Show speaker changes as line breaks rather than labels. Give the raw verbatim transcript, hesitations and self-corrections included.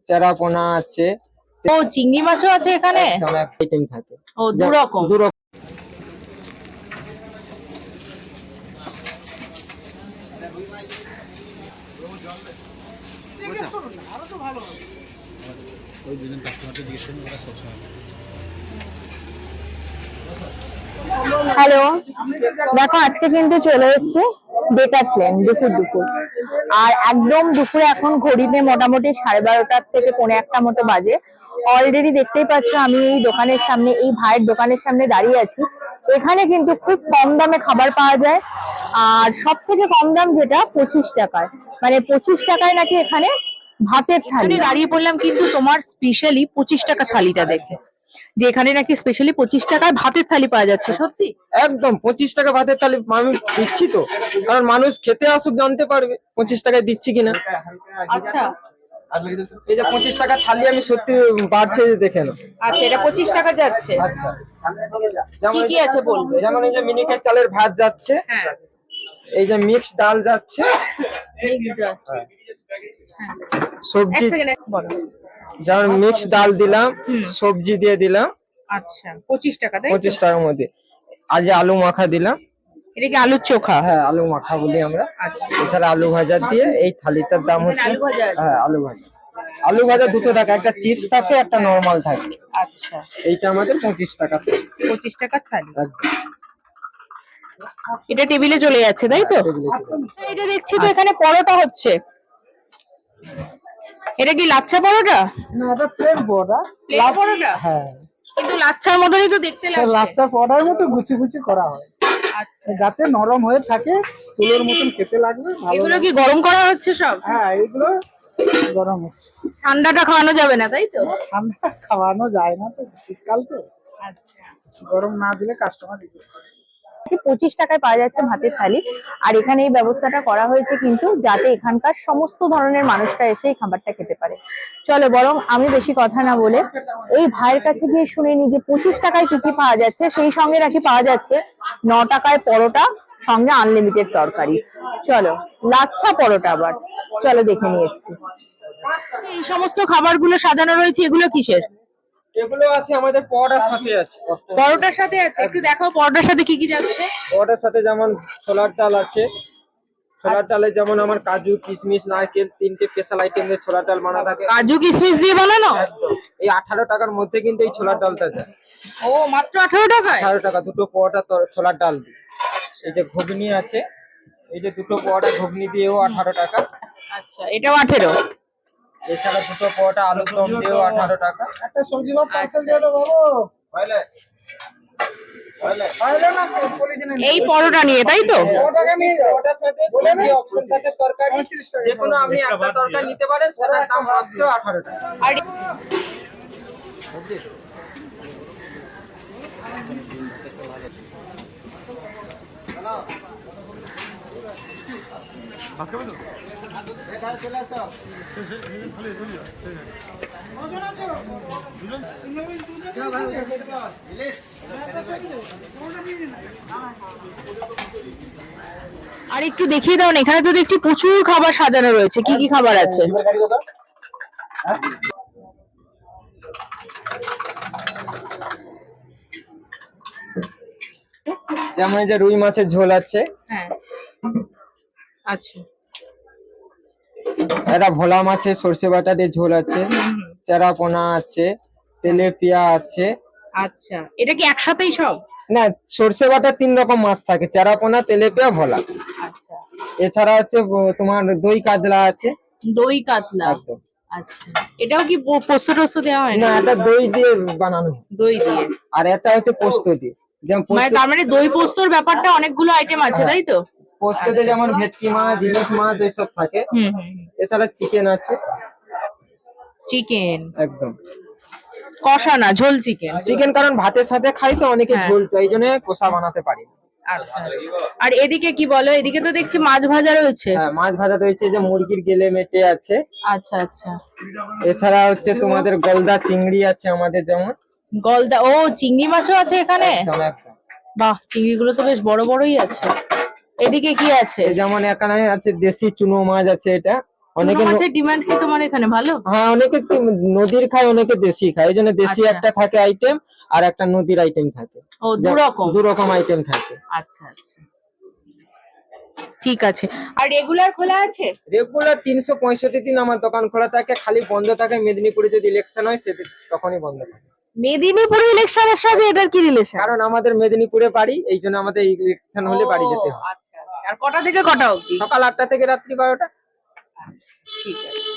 চারাপোনা আছে।
ও চিংড়ি মাছও আছে এখানে?
অনেক আইটেম থাকে।
ও দু রকম।
দু রকম।
হ্যালো, দেখো আজকে কিন্তু চলে এসেছে বেকারস লেন দুপুর দুপুর। আর একদম দুপুরে এখন ঘড়িতে মোটামুটি সাড়ে বারোটার থেকে পৌনে একটা মতো বাজে। অলরেডি দেখতেই পাচ্ছ আমি এই দোকানের সামনে, এই ভাইয়ের দোকানের সামনে দাঁড়িয়ে আছি। এখানে কিন্তু খুব কম দামে খাবার পাওয়া যায়, আর সব থেকে কম দাম যেটা পঁচিশ টাকায়, মানে পঁচিশ টাকায় নাকি এখানে ভাতের থালি। দাঁড়িয়ে পড়লাম কিন্তু তোমার স্পেশালি পঁচিশ টাকা থালিটা দেখে, যে এখানে নাকি স্পেশালি পঁচিশ টাকায় ভাতের থালি পাওয়া যাচ্ছে। সত্যি
একদম পঁচিশ টাকা ভাতের থালি মানুষ দিচ্ছি তো, কারণ মানুষ খেতে আসুক, জানতে পারবে পঁচিশ টাকায় দিচ্ছি কিনা।
আচ্ছা,
এই যে পঁচিশ টাকা থালি আমি সত্যি বাড়ছে দেখে না।
আচ্ছা এটা পঁচিশ টাকা যাচ্ছে।
আচ্ছা,
কি কি আছে বলবে?
যেমন এই যে মিনিকেট চালের ভাত যাচ্ছে,
হ্যাঁ,
এই যে মিক্স ডাল যাচ্ছে, সবজি যেমন মিক্স ডাল দিলাম, সবজি দিয়ে দিলাম।
আচ্ছা পঁচিশ টাকা, তাই
পঁচিশ টাকার মধ্যে আজ আলু মাখা দিলাম।
এটা কি আলুর চোখা?
হ্যাঁ, আলু মাখা বলি আমরা।
আচ্ছা,
এছাড়া আলু ভাজা দিয়ে এই থালিটার দাম হচ্ছে,
আলু ভাজা আছে?
হ্যাঁ আলু ভাজা। আলু ভাজা দুটো টাকা, একটা চিপস থাকে, একটা নরমাল থাকে।
আচ্ছা,
এইটা আমাদের পঁচিশ টাকা।
পঁচিশ টাকা থালি।
একদম।
এটা টেবিলে চলে যাচ্ছে, তাই তো? এটা দেখছি তো এখানে পরোটা হচ্ছে। এটা কি লাচ্ছা পরোটা?
না, এটা প্লেন পরোটা।
প্লেন পরোটা?
হ্যাঁ,
কিন্তু লাচ্ছার মতনই তো দেখতে লাগছে।
লাচ্ছা পরোটার মতো গুচি গুচি করা হয়,
আচ্ছা,
যাতে নরম হয়ে থাকে, তুলোর মতন খেতে লাগবে।
এগুলো কি গরম করা হচ্ছে সব?
হ্যাঁ, এগুলো গরম হচ্ছে।
ঠান্ডাটা খাওয়ানো যাবে না, তাই তো?
ঠান্ডা খাওয়ানো যায় না তো, শীতকাল তো।
আচ্ছা,
গরম না দিলে কাস্টমার দিতে
পঁচিশ টাকায় পাওয়া যাচ্ছে ভাতের থালি। আর এখানে এই ব্যবস্থাটা করা হয়েছে কিন্তু যাতে এখানকার সমস্ত ধরনের মানুষরা এসে এই খাবারটা খেতে পারে। চলো বরং আমি বেশি কথা না বলে এই ভাইয়ের কাছে গিয়ে শুনে নি যে পঁচিশ টাকায় কি কি পাওয়া যাচ্ছে। সেই সঙ্গে নাকি পাওয়া যাচ্ছে ন টাকায় পরোটা, সঙ্গে আনলিমিটেড তরকারি। চলো, লাচ্ছা পরোটা আবার, চলো দেখে নিয়ে এসছি। এই সমস্ত খাবারগুলো সাজানো রয়েছে, এগুলো কিসের?
এগুলো আছে আমাদের পরোটার সাথে আছে।
পরোটার সাথে আছে? একটু দেখাও পরোটার সাথে কি কি যাচ্ছে।
পরোটার সাথে যেমন ছোলার ডাল আছে, ছোলার ডালে যেমন আমার কাজু কিশমিশ নারকেল তিনটে স্পেশাল আইটেম দিয়ে ছোলার ডাল বানানো থাকে।
কাজু কিশমিশ দিয়ে বানানো?
একদম। এই আঠারো টাকার মধ্যে কিন্তু এই ছোলার ডালটা যায়।
ও মাত্র আঠারো টাকায়?
আঠারো টাকা দুটো পরোটা ছোলার ডাল দিয়ে। এই যে ঘুগনি আছে, এই যে দুটো পরোটা ঘুগনি দিয়েও আঠারো টাকা।
আচ্ছা, এটাও আঠেরো।
এছাড়া দুটো পরোটা আলুর দম দিয়েও আঠারো টাকা। একটা সবজি ভাত পার্সেল দিয়ে দাও বাবু। হইলে হইলে হইলে না পলিথিনে
এই পরোটা নিয়ে, তাই তো?
পরোটাকে নিয়ে যাও। পরোটার সাথে যে অপশন থাকে তরকারি, যে কোনো আপনি একটা তরকারি নিতে পারেন, সেটার দাম মাত্র আঠারো টাকা।
আর আর একটু দেখিয়ে দাও না, এখানে তো দেখছি প্রচুর খাবার সাজানো রয়েছে। কি কি খাবার আছে?
যেমন এই যে রুই মাছের ঝোল আছে।
হ্যাঁ, আচ্ছা,
এটা ভোলা মাছের সর্ষে বাটা দিয়ে ঝোল আছে, চারাপোনা আছে, তেলেপিয়া আছে।
আচ্ছা এটা কি একসাথেই সব?
না, সর্ষে বাটা তিন রকম মাছ থাকে, চারাপোনা, তেলেপিয়া, ভোলা।
আচ্ছা,
এছাড়া হচ্ছে তোমার দই কাতলা আছে।
দই কাতলা?
একদম।
আচ্ছা, এটাও কি পোস্ত টোস্ত দেওয়া হয়?
না, এটা দই দিয়ে বানানো,
দই দিয়ে।
আর এটা হচ্ছে পোস্ত দিয়ে। যেমন
মানে তার মানে দই পোস্তর ব্যাপারটা অনেকগুলো আইটেম আছে, তাই তো?
পোস্ততে যেমন ভেটকি মাছ, ইলিশ মাছ এইসব থাকে।
হুম হুম।
এছাড়া চিকেন আছে।
চিকেন
একদম
কষা না, ঝোল চিকেন?
চিকেন, কারণ ভাতের সাথে খাই তো অনেকে
হ্যাঁ।
ঝোল চাই, এই জন্য কষা বানাতে পারি।
আচ্ছা, আর এদিকে কি বলো? এদিকে তো দেখছি মাছ ভাজা রয়েছে।
হ্যাঁ, মাছ ভাজা রয়েছে, যে মুরগির গেলে মেটে আছে।
আচ্ছা আচ্ছা।
এছাড়া হচ্ছে তোমাদের গলদা চিংড়ি আছে আমাদের, যেমন
গলদা। ও চিংড়ি মাছও আছে এখানে?
একদম একদম।
বাহ, চিংড়িগুলো তো বেশ বড় বড়ই আছে। এদিকে কি আছে?
যেমন এখানে আছে দেশি চুনো মাছ আছে, এটা
অনেকে
চুনো
ন-
মাছের ডিমান্ড কি তোমার এখানে ভালো?
হ্যাঁ, অনেকে কি নদীর খায়, অনেকে দেশি খায়, এই জন্য দেশি
আচ্ছা।
একটা থাকে আইটেম আর একটা নদীর আইটেম থাকে।
ও, দু রকম।
দু রকম আইটেম থাকে।
আচ্ছা আচ্ছা, ঠিক আছে। আর রেগুলার খোলা আছে?
রেগুলার তিনশো পঁয়ষট্টি দিন আমার দোকান খোলা থাকে, খালি বন্ধ থাকে মেদিনীপুরে যদি ইলেকশন হয় সেদিন তখনই বন্ধ থাকে।
মেদিনীপুরে ইলেকশনের সাথে এটার কি রিলেশন?
কারণ আমাদের মেদিনীপুরে বাড়ি, এই জন্য আমাদের ইলেকশন হলে বাড়ি যেতে হয়।
আচ্ছা আচ্ছা। আর কটা থেকে কটা অবধি?
সকাল আটটা থেকে রাত্রি বারোটা।
আচ্ছা, ঠিক আছে।